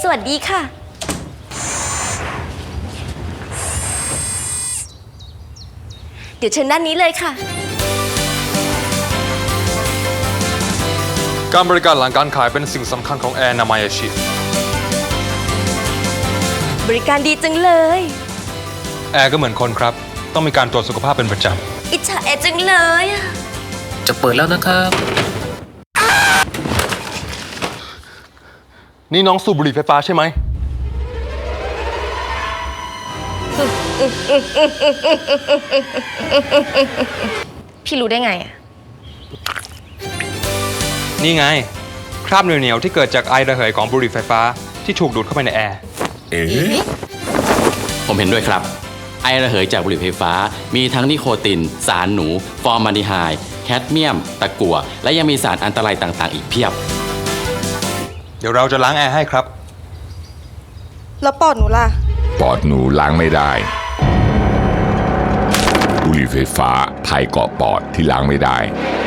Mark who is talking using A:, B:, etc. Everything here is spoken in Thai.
A: สวัสดีค่ะเดี๋ยวเชิญด้านนี้เลยค่ะ
B: การบริการหลังการขายเป็นสิ่งสำคัญของแอร์นามาชิ
A: บริการดีจังเลย
B: แอร์ก็เหมือนคนครับต้องมีการตรวจสุขภาพเป็นประจ
A: อิจฉาแอร์จังเลยอะ
C: จะเปิดแล้วนะครับ
B: ำนี่น้องสูบบุหรี่ไฟฟ้าใช่ไหม
A: พี่รู้ได้ไงอะ
B: นี่ไงคราบเหนียวๆที่เกิดจากไอระเหยของบุหรี่ไฟฟ้าที่ถูกดูดเข้าไปในแอร์
D: ผมเห็นด้วยครับ ไอระเหยจากบุหรี่ไฟฟ้ามีทั้งนิโคติน สารหนู ฟอร์มาลดีไฮด์แคดเมียม ตะกั่ว และยังมีสารอันตรายต่างๆ อีกเพียบ
B: เดี๋ยวเราจะล้างแอร์ให้ครับ
A: แล้วปอดหนูล่ะ
E: ปอดหนูล้างไม่ได้ บุหรี่ไฟฟ้าภัยเกาะปอดที่ล้างไม่ได้